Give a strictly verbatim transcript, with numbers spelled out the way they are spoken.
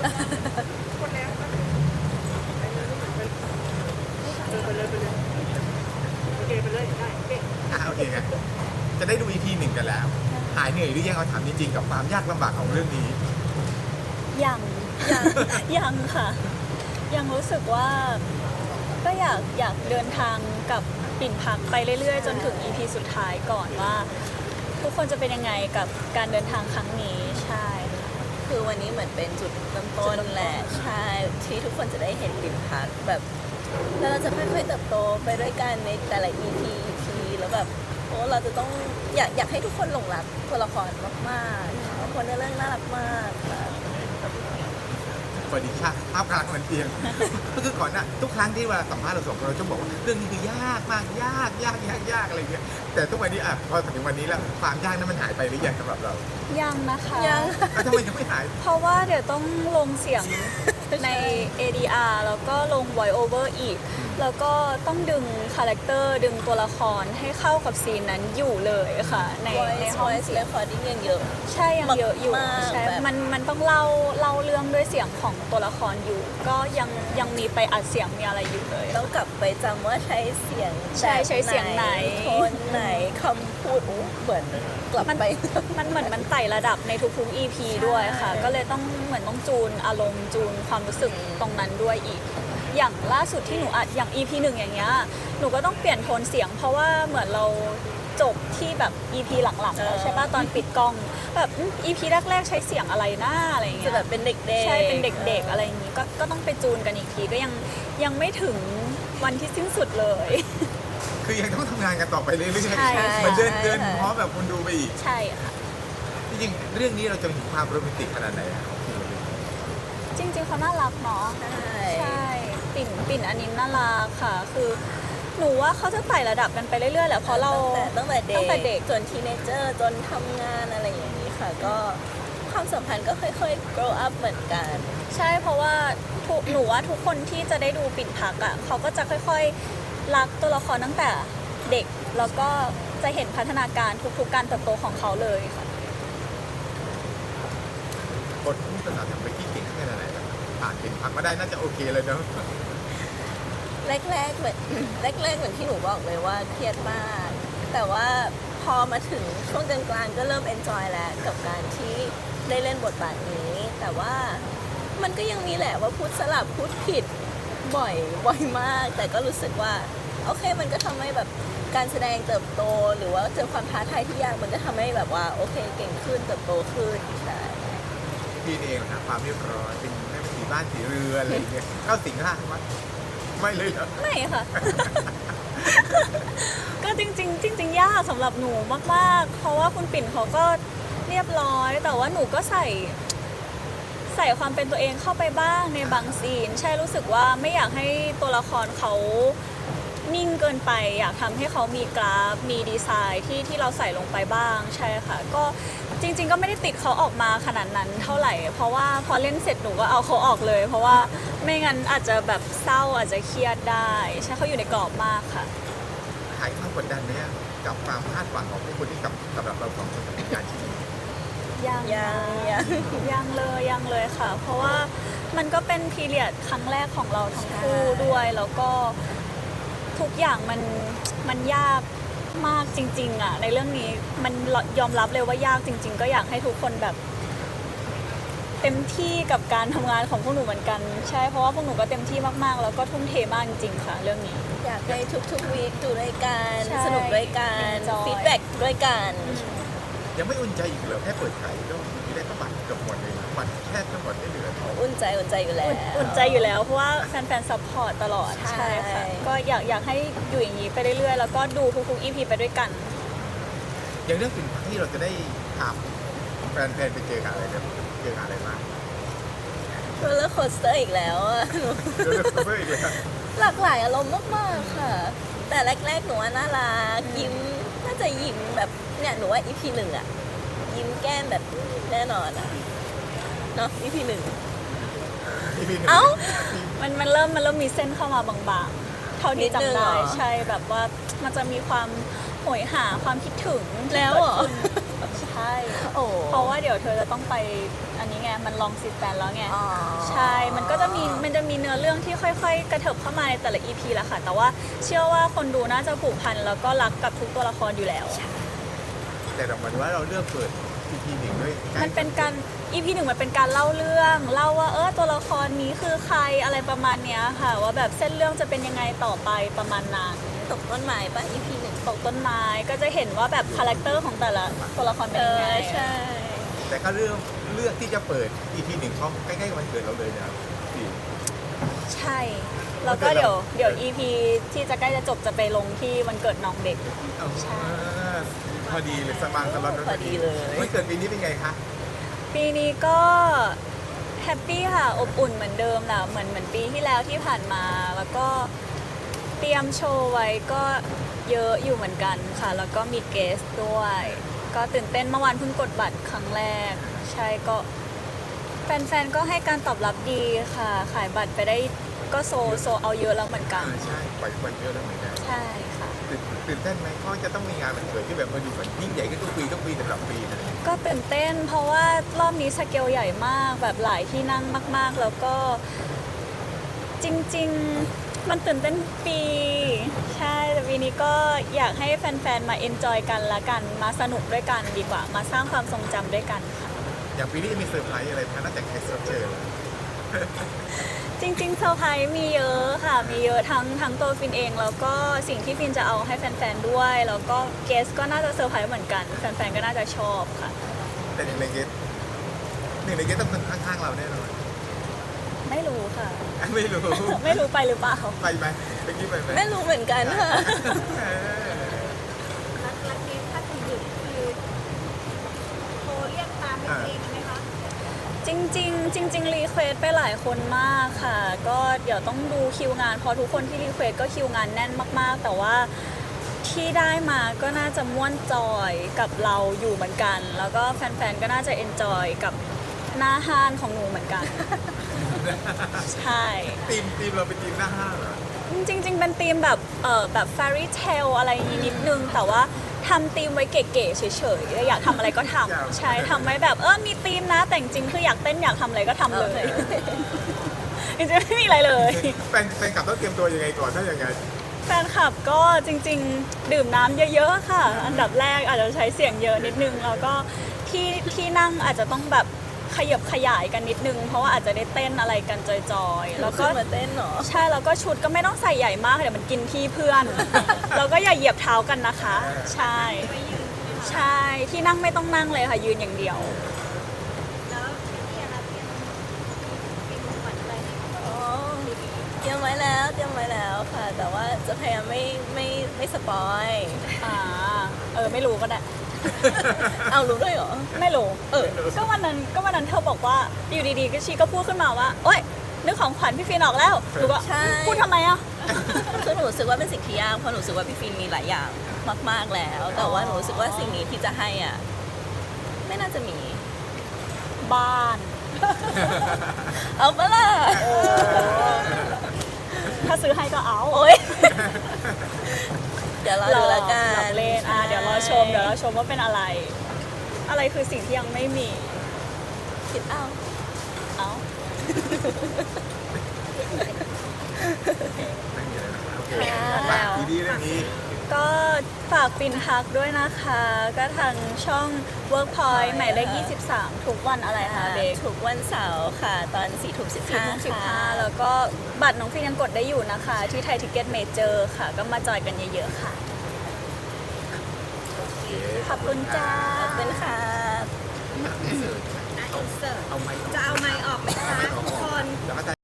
คนแล้วก็ไปเลยไปเลยโอเคไปเลยได้โอเคอ่ะโอเคไงจะได้ดู อี พี หนึ่งกันแล้วหายเหนื่อยหรือยังเอาถามจริงๆกับความยากลำบากของเรื่องนี้ยังยังยังค่ะยังรู้สึกว่าก็อยากอยากเดินทางกับปิ่นพักไปเรื่อยๆจนถึง อี พี สุดท้ายก่อนว่าทุกคนจะเป็นยังไงกับการเดินทางครั้งนี้ใช่ค่ะคือวันนี้เหมือนเป็นจุดเริ่มต้นแหละใช่ที่ทุกคนจะได้เห็นปิ่นพักแบบแล้วเราจะค่อยๆเติบโตไปด้วยกันในแต่ละ อี พี อี พี แล้วแบบโอ้เราจะต้องอยากอยากให้ทุกคนหลงรักตัวละครมากๆทุกคนในเรื่องน่ารักมากค่ะสวัสดีค่ะภาพกลางมันเตียง ก็คือก่อนหน้าทุกครั้งที่เวลาสัมภาษณ์เราสองคนเราจะบอกว่าเรื่องนี้คือยากมากยากยากยากยากอะไรเงี้ยแต่ทุกวันนี้อ่ะพอถึงวันนี้แล้วความยากนั้นมันหายไปหรือยังสำหรับเรายังนะคะยังทำไมยังไม่หายเพราะว่าเดี๋ยวต้องลงเสียงใน เอ ดี อาร์ แล้วก็ลง voice over อีกแล้วก็ต้องดึงคาแรคเตอร์ดึงตัวละครให้เข้ากับซีนนั้นอยู่เลยค่ะในในห้องเสียง recording ยังเยอะใช่ยังเยอะอยู่ใช่มันมันต้องเล่าเล่าเรื่องด้วยเสียงของตัวละครอยู่ก็ยังยังมีไปอัดเสียงมีอะไรอยู่เลยต้องกลับไปจำว่าใช้เสียงใช่ใช้เสียงไหนโทนไหนคำพูดเหมือนกลับไปมันเหมือนมันไต่ระดับในทุกๆ อี พี ด้วยค่ะก็เลยต้องเหมือนต้องจูนอารมณ์จูนความรู้สึกตรงนั้นด้วยอีกอย่างล่าสุดที่หนูอัดอย่าง อี พี หนึ่งอย่างเงี้ยหนูก็ต้องเปลี่ยนโทนเสียงเพราะว่าเหมือนเราจบที่แบบ อี พี หลังๆแล้วใช่ป่ะตอนปิดกล้องแบบ อี พี แรกๆใช้เสียงอะไรหน้าอะไรอย่างเงี้ยจะแบบเป็นเด็กๆใช่เป็นเด็กๆอะไรอย่างงี้ก็ก็ต้องไปจูนกันอีกทีก็ยังยังไม่ถึงวันที่สิ้นสุดเลยคือยังต้องทำงานกันต่อไปเรื่อยๆใช่มันเดินเดินพร้อมแบบคนดูไปอีกใช่ค่ะจริงๆเรื่องนี้เราจะเห็นความโรแมนติกขนาดไหนจริงๆเขาน่ารักเนาะใช่ปิ่นปิ่นอันนี้น่ารักค่ะคือหนูว่าเขาจะไต่ระดับกันไปเรื่อยๆแหละเพราะเราตั้งแต่ตั้งแต่เด็กเด็กจนทีเนเจอร์จนทำงานอะไรอย่างนี้ค่ะก็ความสัมพันธ์ก็ค่อยๆ grow up เหมือนกันใช่เพราะว่าทุกหนูว่าทุกคนที่จะได้ดูปิ่นพักอ่ะเขาก็จะค่อยๆรักตัวละครตั้งแต่เด็กแล้วก็จะเห็นพัฒนาการทุกๆการเติบโตของเขาเลยค่ะบทพูดภาษาทำไปที่เก่งแค่ไหนผ่านปิ่นพักมาได้น่าจะโอเคเลยเนาะแรกๆเหมือนแรกๆเหมือนที่หนูบอกเลยว่าเครียดมากแต่ว่าพอมาถึงช่วงกลางๆก็เริ่ม enjoy แล้วกับการที่ได้เล่นบทบาทนี้แต่ว่ามันก็ยังมีแหละว่าพูดสลับพูดผิดบ่อยบ่อยมากแต่ก็รู้สึกว่าโอเคมันก็ทำให้แบบการแสดงเติบโตหรือว่าเจอความท้าทายที่ยากมันก็ทำให้แบบว่าโอเคเก่งขึ้นเติบโตขึ้นใช่พี่เองนะความเรียบร้อยเป็นแม่สีบ้านสีเรืออะไรอย่างเงี้ยเข้าสิงร่างมั้ยไม่เลยเหรอไม่ค่ะ ก็จริงๆจริงๆยากสำหรับหนูมากๆเพราะว่าคุณปิ่นเขาก็เรียบร้อยแต่ว่าหนูก็ใส่ใส่ความเป็นตัวเองเข้าไปบ้างในบางซีนใช่รู้สึกว่าไม่อยากให้ตัวละครเขานิ่งเกินไปอยากทำให้เขามีกราฟมีดีไซน์ที่ที่เราใส่ลงไปบ้างใช่ค่ะก็จริงๆก็ไม่ได้ติดเขาออกมาขนาดนั้นเท่าไหร่เพราะว่าพอเล่นเสร็จหนูก็เอาเขาออกเลยเพราะว่าไม่งั้นอาจจะแบบเศร้าอาจจะเครียดได้ใช่เขาอยู่ในกรอบมากค่ะหายความกดดันไหมกับความคาดหวังของผู้คนที่กับสำหรับเราสองคนในการชีวิตยังยังยังยังเลยยังเลยค่ะเพราะว่ามันก็เป็นพีเรียดครั้งแรกของเราทั้งคู่ด้วยแล้วก็ทุกอย่างมันมันยากมากจริงๆอ่ะในเรื่องนี้มันยอมรับเลยว่ายากจริงๆก็อยากให้ทุกคนแบบเต็มที่กับการทำงานของพวกหนูเหมือนกันใช่เพราะว่าพวกหนูก็เต็มที่มากๆแล้วก็ทุ่มเทมากจริงๆค่ะเรื่องนี้อยากให้ทุกๆวีคดูด้วยกันสนุกด้วยกันฟีดแบ็กด้วยกันยังไม่อุ่นใจอีกเหรอแค่เปิดขายก็มีได้ประมาณเกือบหมดเลยบัตรแค่ทั้งหมดไม่เหลืออุ่นใจอุ่นใจอยู่แล้วอุ่นใจอยู่แล้วเพราะว่าแฟนๆซัพพอร์ตตลอดใช่ค่ะก็อยากอยากให้อยู่อย่างนี้ไปเรื่อยๆแล้วก็ดูทุกๆ อี พี ไปด้วยกันอย่างเรื่องปิ่นพักที่เราจะได้ทำแฟนๆไปเจอกันอะไรเนี่ยเจออะไรมาโรลเลอร์โคสเตอร์อีกแล้วอะโรลเลอร์โคสเตอร์อีกแล้วหลากหลายอารมณ์มากๆค่ะแต่แรกๆหนูว่าน่ารักยิ้มน่าจะยิ้มแบบเนี่ยหนูว่า อี พี หนึ่งอะยิ้มแก้มแบบแน่นอนอะเนาะ อี พี หนึ่งเอ้ามันมันเริ่มมันเริ่มมีเส้นเข้ามาบางๆเท่าที่จำได้ใช่แบบว่ามันจะมีความโหยหาความคิดถึงแล้วเหรอใช่เพราะว่าเดี๋ยวเธอจะต้องไปอันนี้ไงมันลองสิบแปดแล้วไงอ๋อใช่ มันก็จะมี มันจะมีเนื้อเรื่องที่ค่อยๆ กระเถิบเข้ามาในแต่ละ อี พี แหละค่ะ แต่ว่าเชื่อว่าคนดูน่าจะผูกพันแล้วก็รักกับทุกตัวละครอยู่แล้วแต่เราหมายถึงว่าเราเลือกเปิด อี พี หนึ่งด้วยใกล้มันเป็นการ อี พี หนึ่งมันเป็นการเล่าเรื่อง เล่าว่าเออตัวละครนี้คือใครอะไรประมาณเนี้ยค่ะ ว่าแบบเส้นเรื่องจะเป็นยังไงต่อไปประมาณนั้นตกต้นไม้ป่ะ อี พี หนึ่งตกต้นไม้ก็จะเห็นว่าแบบคาแรคเตอร์ของแต่ละตัวละครเป็นเอยังไงอใช่แต่ก็เลือกเลือกที่จะเปิด อี พี หนึ่งเขาใกล้ๆวันเกิดเราเลยนะครับพี่ใช่ แล้วก็เดี๋ยวเดี๋ยว อี พี ที่จะใกล้จะจบจะไปลงที่วันเกิดน้องเด็ก ใช่พอดีเลยสบางสล็อตพอดีเลยวันเกิดปีนี้เป็นไงคะปีนี้ก็แฮปปี้ค่ะ อบอุ่นเหมือนเดิมแหละเหมือนเหมือนปีที่แล้วที่ผ่านมา แล้วก็เตรียมโชว์ไว้ก็เยอะอยู่เหมือนกันค่ะ แล้วก็มีเกสด้วย ก็ตื่นเต้นเมื่อวานเพิ่งกดบัตรครั้งแรก ใช่ก็แฟนๆ ก็ให้การตอบรับดีค่ะ ขายบัตรไปได้ก็โซโซเอาเยอะแล้วเหมือนกันอ่าใช่ปล่อยวันเยอะแล้วเหมือนกันใช่ค่ะตื่นตื่นเต้นไหมเขาจะต้องมีงานวันเกิดที่แบบมาดูเหมือนยิ่งใหญ่ขึ้นทุกปีทุกปีสำหรับปีนะก็ตื่นเต้นเพราะว่ารอบนี้สเกลใหญ่มากแบบหลายที่นั่งมาก ๆ แล้วก็จริง ๆ มันตื่นเต้นทุกปี ใช่แต่ปีนี้ก็อยากให้แฟน ๆ มาเอนจอยกันละกันมาสนุกด้วยกันดีกว่า มาสร้างความทรงจำด้วยกันค่ะอย่างปีนี้จะมีเซอร์ไพรส์อะไรไหมคะนอกจากแขกรับเชิญจริงๆเซอร์ไพรส์มีเยอะค่ะ มีเยอะทั้งทั้งตัวฟินเอง แล้วก็สิ่งที่ฟินจะเอาให้แฟน ๆ ด้วย แล้วก็เกสก็น่าจะเซอร์ไพรส์เหมือนกัน แฟน ๆ ก็น่าจะชอบค่ะแต่หนึ่งในเกสหนึ่งในเกสต้องเป็นข้างๆเราแน่นอนไม่รู้ค่ะไม่รู้ไม่รู้ไปหรือเปล่าไปไหมไปกี้ไปไหมไม่รู้เหมือนกันค่ะเออรักรักนี้ถ้าถึงดึกคือโทรเรียกตามเป็นเองไหมคะจริงๆจริงๆรีเควสไปหลายคนมากค่ะ ก็เดี๋ยวต้องดูคิวงานเพราะทุกคนที่รีเควสก็คิวงานแน่นมากๆ แต่ว่าที่ได้มาก็น่าจะม่วนจอยกับเราอยู่เหมือนกัน แล้วก็แฟนๆก็น่าจะเอนจอยกับหน้าห้านของหนูเหมือนกัน ใช่ทีมทีมเราเป็นทีมหน้าห้างเหรอจริงๆ เป็นธีมแบบเออแบบ fairy tale อะไรอย่างงี้นิดนึง แต่ว่าทำธีมไว้เก๋ๆเฉยๆอยากทำอะไรก็ทำใช่ทำไว้แบบเออมีธีมนะแต่จริงๆคืออยากเต้นอยากทำอะไรก็ทำเลย จริงๆไม่มีอะไรเลยแฟนแฟนกลับต้องเตรียมตัวยังไงก่อนถ้าอย่างไงแฟนคลับก็จริงๆ ดื่มน้ำเยอะๆ ค่ะ อันดับแรกอาจจะใช้เสียงเยอะนิดนึง แล้วก็ที่ที่นั่งอาจจะต้องแบบขยับขยายกันนิดนึง เพราะว่าอาจจะได้เต้นอะไรกันจอยๆแล้แล้ว วก็ก็มาเต้นเหรอใช่แล้วก็ชุดก็ไม่ต้องใส่ใหญ่มากเดี๋ยวมันกินที่เพื่อน แล้วก็อย่าเหยียบเท้ากันนะคะ ใช่ ใช่ที่นั่งไม่ต้องนั่งเลยค่ะยืนอย่างเดียวแล้วที่อะไรเตรียมเตรียมของขวัญอะไรให้เขาอ๋อเตรียมไว้แล้วเตรียมไว้แล้วค่ะ แต่ว่าจะพยายามไม่ไม่ไม่สปอยอ่าเออไม่รู้ก็ได้เอารู้ด้วยเหรอไม่รู้ เออ ก็วันนั้นก็วันนั้นเธอบอกว่าอยู่ดีๆก็ชีก็พูดขึ้นมาว่าโอ๊ยนึกของขวัญพี่ฟินออกแล้วหนูก็ใช่พูดทำไมอ่ะคือหนูรู้สึกว่าเป็นสิ่งที่ยากเพราะหนูรู้สึกว่าพี่ฟินมีหลายอย่างมาก ๆแล้ว แต่ว่าหนูรู้สึกว่าสิ่งนี้ที่จะให้อ่ะไม่น่าจะมีบ้านเอาปะล่ะถ้าซื้อให้ก็เอาโอ๊ยเดี๋ยวรอดูละกัหลอน กเล่นอ่ะเดี๋ยวรอชมเดี๋ยวรอชมว่าเป็นอะไร อะไรคือสิ่งที่ยังไม่มีคิดเอาเอ้าไม่มีอะไรนะครับโอเคค่ะฝากทีดีเรื่องนี้ก็ฝากฟินทักด้วยนะคะ ก็ทางช่อง Workpoint หมายเลขยี่สิบสามทุกวันอะไรคะเบคทุกวันเสาร์ค่ะ ตอนสี่ทุ่มสิบสี่ห้าทุ่มสิบห้าค่ะแล้วก็บัตรน้องฟินยังกดได้อยู่นะคะ ที่ไทยทิเก็ตเมเจอร์ค่ะ ก็มาจอยกันเยอะๆค่ะ ขอบคุณจ้าขอบคุณค่ะเอาเอาไม้